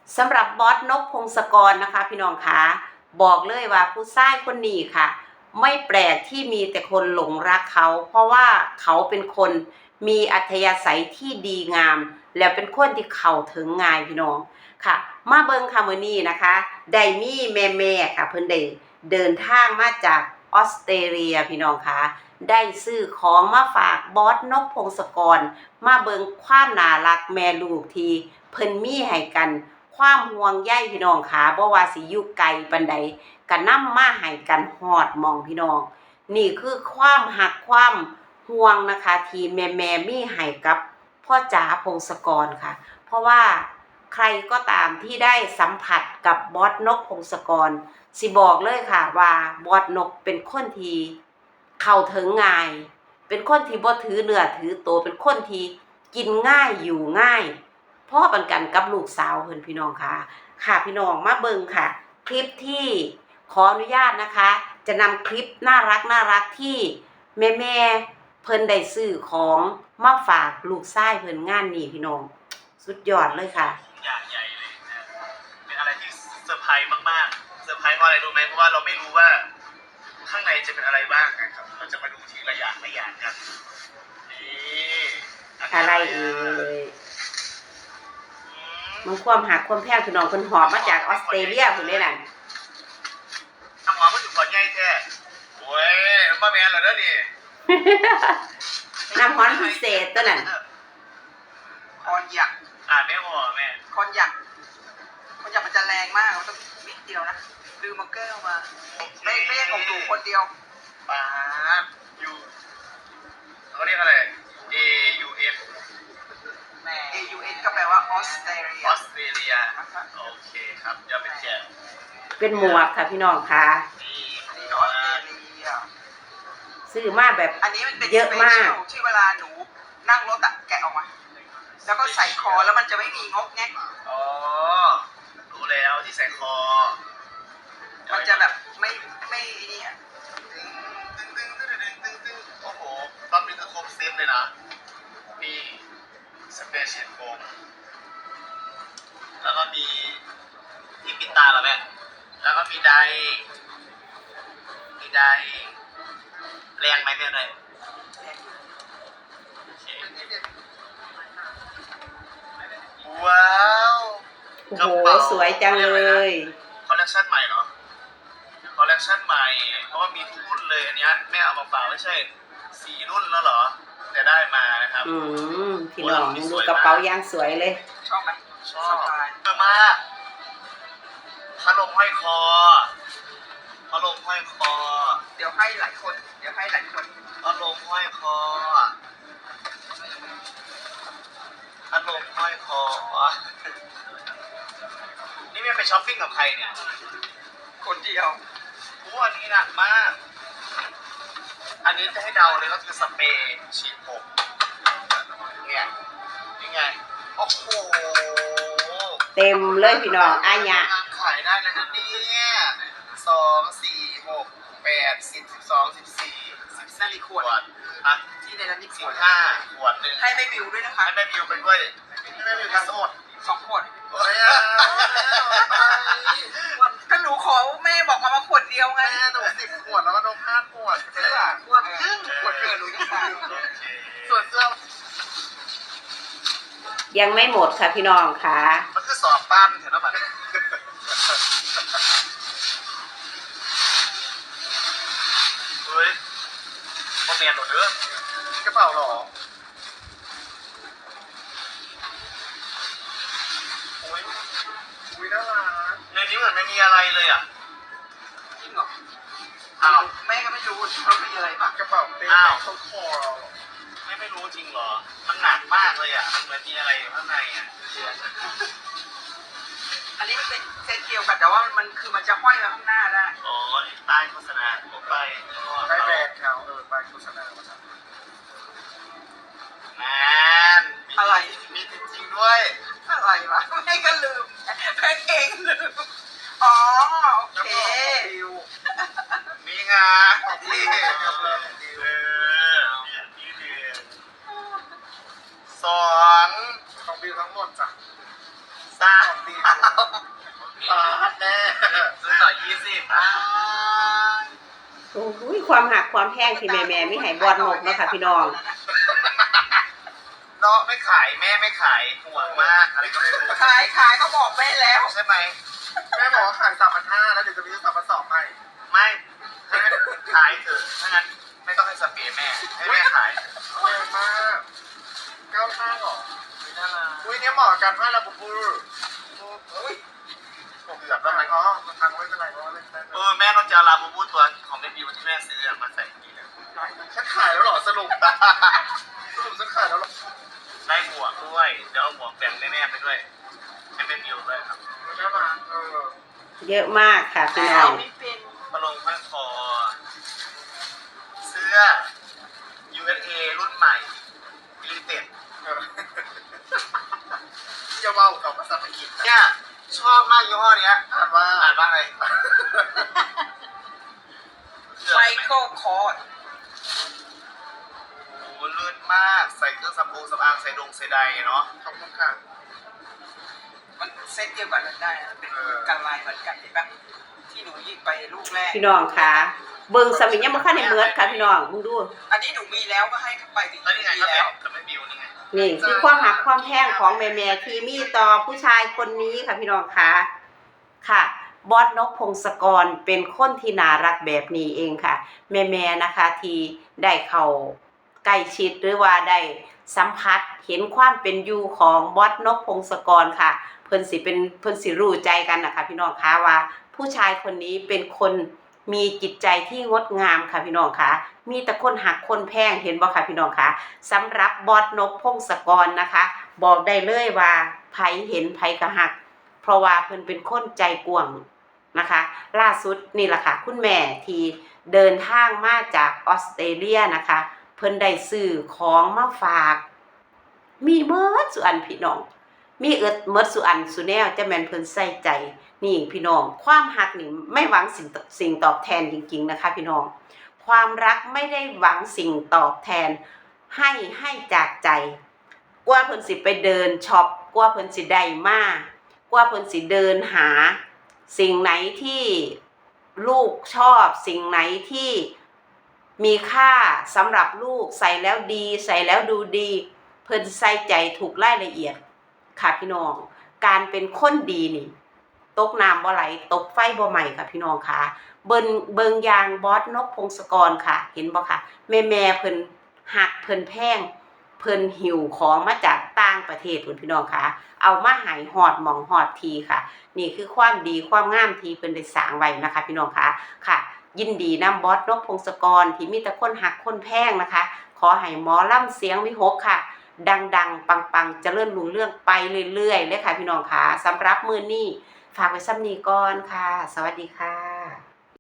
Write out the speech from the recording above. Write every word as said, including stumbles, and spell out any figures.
สำหรับบอสนกพงศกรนะคะพี่น้องคะบอกเลยว่าผู้ชายคนนี้ค่ะไม่แปลกที่มีแต่คนหลงรักเขาเพราะว่าเขาเป็นคนมีอัธยาศัยที่ดีงามแล้วเป็นคนที่เข้าถึงง่ายพี่น้องค่ะมาเบิ่งค่ะมื้อนี้นะคะได้มีแม่ๆค่ะเพิ่นได้เดินทางมาจากออสเตรเลียพี่น้องคะได้ซื้อของมาฝากบอสนกพงศกรมาเบิ่งความน่ารักแม่ลูกที่เพิ่นมีให้กันความห่วงใยพี่น้องค่ะบ่ว่าสิอยู่ไกลปานใดก็นำมาให้กันฮอดหม้องพี่น้องนี่คือความรักความห่วงนะคะที่แม่ๆมีให้กับพ่อจ๋าพงศกรค่ะเพราะว่าใครก็ตามที่ได้สัมผัสกับบอสนกพงศกรสิบอกเลยค่ะว่าบอสนกเป็นคนที่เข้าถึงง่ายเป็นคนที่บ่ถือเนื้อถือตัวเป็นคนที่กินง่ายอยู่ง่ายพ่อปันกันกับลูกสาวเพิ่นพี่น้องค่ะค่ะพี่น้องมาเบิ่งค่ะคลิปที่ขออนุญาตนะคะจะนำคลิปน่ารักน่ารักที่แม่แม่เพิ่นได้ซื้อของมาฝากลูกชายเพิ่นงานนี้พี่น้องสุดยอดเลยค่ะอย่างใหญ่เลยนะเป็นอะไรที่เซอร์ไพรส์มากๆเซอร์ไพรส์เพราะอะไรรู้ไหมเพราะว่าเราไม่รู้ว่าข้างในจะเป็นอะไรบ้างนะครับเราจะมาดูทีละอย่างละอย่างกันนี่อะไรเอ่ยมันความหักความแพงพี่น้องเพิ่นหอบมาจากออสเตรเลียพุ่นเด้นั่นน้ำหอมมันถึงขอใหญ่แท้โอ้ยป้าแมนเหรอเด้อนี่น้ำหอมพิเศษตัวนั้นคอนหยักอ่านไม่พอแม่คอนหยักคอนหยักมันจะแรงมากมันต้องนิดเดียวนะลืมมาแก้วมาไม่ไม่ของหนูคนเดียวป้าอยู่เขาเรียกอะไร A U S A U S ก็แปลว่าออสเตรเลียออสเตรเลียโอเคครับจะเป็นแกเป็นหมวกค่ะพี่น้องค่ะนี่ออสเตรเลียซื้อมาแบบอันนี้มันเป็นเยอะมากที่เวลาหนูนั่งรถอะแกะออกมาแล้วก็ใส่คอแล้วมันจะไม่มีงกแงกอ๋อรู้แล้วที่ใส่คอมันจะแบบไม่ไม่นี่อ่ะตึ้งตึ้งตึ้งตึ้งตึ้งตึ้งโอ้โหรอบนี้คือครบเซตเลยนะมีสเปเชียลโฟมแล้วก็มีที่ปิดตาเหรอแม่แล้วก็มีไดมีไดแรงไหมแม่เลยว้าวโอ้โหสวยจังเลยคอลเลคชันใหม่เหรอคอลเลคชันใหม่เพราะว่ามีทุกรุ่นเลยอันนี้แม่เอามาฝากไม่ใช่สี่รุ่นแล้วเหรอแต่ได้มานะครับอืมพี่น้องดูกระเป๋ายางสวยเลยชอบไหมชอบเยอะมากพัดลมห้อยคอพัดลมห้อยคอเดี๋ยวให้หลายคนเดี๋ยวให้หลายคนพัดลมห้อยคอพัดลมห้อยคอนี่แม่ไปช้อปปิ้งกับใครเนี่ยคนเดียวโอ้อันนี้หนักมากอันนี้จะให้เดาเลยก็คือสเปรย์ฉีดผมเนี่ยนี่ไงโอ้โหเต็มเลยพี่น้องอายะขายได้แล้วนะเนี่ยสองสี่หกแปดสิบสิบสองสิบสี่สิบสี่ขวดอะที่ในนั้นนี่สิบห้าขวดหนึ่งให้แม่บิวด้วยนะคะให้แม่บิวไปด้วยให้แม่บิวทั้งหมดสองขวดโอ้ยถ้าหนูขอแม่บอกมามาขวดเดียวไงแม่หนูสิบขวดแล้วก็นมห้าขวดเสื้อขวดครึ่งขวดเกินหนูยังตายส่วนเสื้อยังไม่หมดค่ะพี่น้องค่ะมันคือสอบปั้นเห็นไหมมันเฮ้ยโมเมนต์หนูเด้อกระเป๋าหรอโอ้ยอุ้ยน่ารักในนี้เหมือนไม่มีอะไรเลยอ่ะจริงเหรออ้าวแม่ก็ไม่รู้ว่ามีอะไรบ้างกระเป๋าเป้อ้าวเขาคอเราไม่ไม่รู้จริงเหรอมันหนักมากเลยอ่ะมันเหมือนมีอะไรอยู่ข้างในอ่ะอันนี้มันเป็นเซตเดียวกันแต่ว่ามันคือมันจะห้อยมาข้างหน้าได้อ๋อป้ายโฆษณาผมไปป้ายแบรนด์เขาเออป้ายโฆษณาแมนอะไรมีจริงๆด้วยอะไรวะแม่ก็ลืมแม่เองลืมอ๋อโอเคนี่ไงนี่เออนี่เดือนสองของบิวทั้งหมดจ้ะสามปาดแน่ซื้อต่อยี่สิบโอ้ยความหักความแพงที่แม่แม่ไม่ให้บอดนกเนาะค่ะพี่น้องเนาะไม่ขายแม่ไม่ขายห่วงมากอะไรก็ไม่รู้ขายขายเขาบอกแม่แล้วใช่ไหมแม่บอกว่าขายสามพันห้าแล้วเดี๋ยวจะมีสามพันสองให้ไม่ให้แม่ขายเถอะถ้างั้นไม่ต้องให้สเปรย์แม่ให้แม่ขายแรงมากเก้าห้าหรอไม่น่ารักอุ้ยเนี่ยเหมาะกันมากละปุ๊บปุ๊บอุ้ยผมเกือบแล้วไหมอ๋อมันทางไม่เป็นไรเพราะว่าเล่นได้เออแม่ต้องจะเอาลาบูบูตัวของแม่บิวที่แม่ซื้อมาใส่นี่เลยฉันขายแล้วหรอสรุปสรุปฉันขายแล้วหรอได้หมวกด้วยเดี๋ยวเอาหมวกแบ่งแม่ๆไปด้วยให้แม่บิวด้วยครับน่ารักเออเยอะมากค่ะพี่น้แล้อวงไม่เป็นมาลงพันคอเสื้อ ยู เอส เอ รุ่นใหม่ลิมิเต็ดจะว่ากับภาษาอังกฤษเนี่ยชอบมากยี่ห้อเนี้ยอ่านว่าอ่านว่าอะไรไมเคิลคอร์ดโอ้เลื่อนมากใส่เครื่องสำอางสำอางใส่ดงใส่ใดเนาะขอบคุณค่ะมันเซตเดียวกันได้นะเป็นกันลายเหมือนกันเห็นปะที่หนูยิงไปลูกแรกพี่น้องค่ะเบิ่งสมิงยังบ่คันได้เบิดค่ะพี่น้องมึงดูอันนี้หนูมีแล้วก็ให้เข้าไปถึงแล้วนี่ไงมีก็แบแล้วบกับแม่บิวนี่ไงนี่คือความหักความแพงของแม่แม่ที่มีต่อผู้ชายคนนี้ค่ะพี่น้องค่ะค่ะบอสนกพงศกรเป็นคนที่น่ารักแบบนี้เองค่ะ แม่แม่นะคะที่ได้เข้าใกล้ชิดหรือว่าได้สัมผัสเห็นความเป็นอยู่ของบอสนกพงศกรค่ะ เพิ่นสิเป็นเพิ่นสิรู้ใจกันนะคะพี่น้องคะว่า ผู้ชายคนนี้เป็นคนมีจิตใจที่งดงามค่ะพี่น้องคะมีแต่คนหักคนแพงเห็นบ่ค่ะพี่น้องคะสำหรับบอสนกพงศกรนะคะ บอกได้เลยว่าไผเห็นไผก็หัก เพราะว่าเพิ่นเป็นคนใจกว้างนะคะ ล่าสุดนี่แหละค่ะคุณแม่ที่เดินทางมาจากออสเตรเลียนะคะเพิ่นได้ซื้อของมาฝากมีเมิดสุอันพี่น้องมีเอิดเมิดสุอันสุแนวจะแม่นเพิ่นใส่ใจนี่พี่น้องความรักนี่ไม่หวังสิ่งสิ่งตอบแทนจริงๆนะคะพี่น้องความรักไม่ได้หวังสิ่งตอบแทนให้ให้จากใจกว่าเพิ่นสิไปเดินช็อปกว่าเพิ่นสิได้มากว่าเพิ่นสิเดินหาสิ่งไหนที่ลูกชอบสิ่งไหนที่มีค่าสำหรับลูกใส่แล้วดีใส่แล้วดูดีเพิ่นใส่ใจถูกรายละเอียดค่ะพี่น้องการเป็นคนดีนี่ตกน้ำบ่ไหลตกไฟบ่ไหม้ค่ะพี่น้องค่ะเบิ่งเบิ่งยางบอสนกพงศกรค่ะเห็นบ่ค่ะแม่แม่เพิ่นหักเพิ่นแพงเพิ่นหิวของมาจากต่างประเทศพุ่นพี่น้องค่ะเอามาให้ฮอดหม่องฮอดทีค่ะนี่คือความดีความงามที่เพิ่นได้สร้างไว้นะคะพี่น้องค่ะค่ะยินดีนำบอสนกพงศกรที่มีแต่คนหักคนแพงนะคะขอให้หมอลำเสียงวิหกค่ะดังๆปังๆเจริญรุ่งเรืองไปเรื่อยๆเลยค่ะพี่น้องค่ะสำหรับมื้อนี้ฝากไว้ซ้ำนี้ก่อนค่ะสวัสดีค่ะ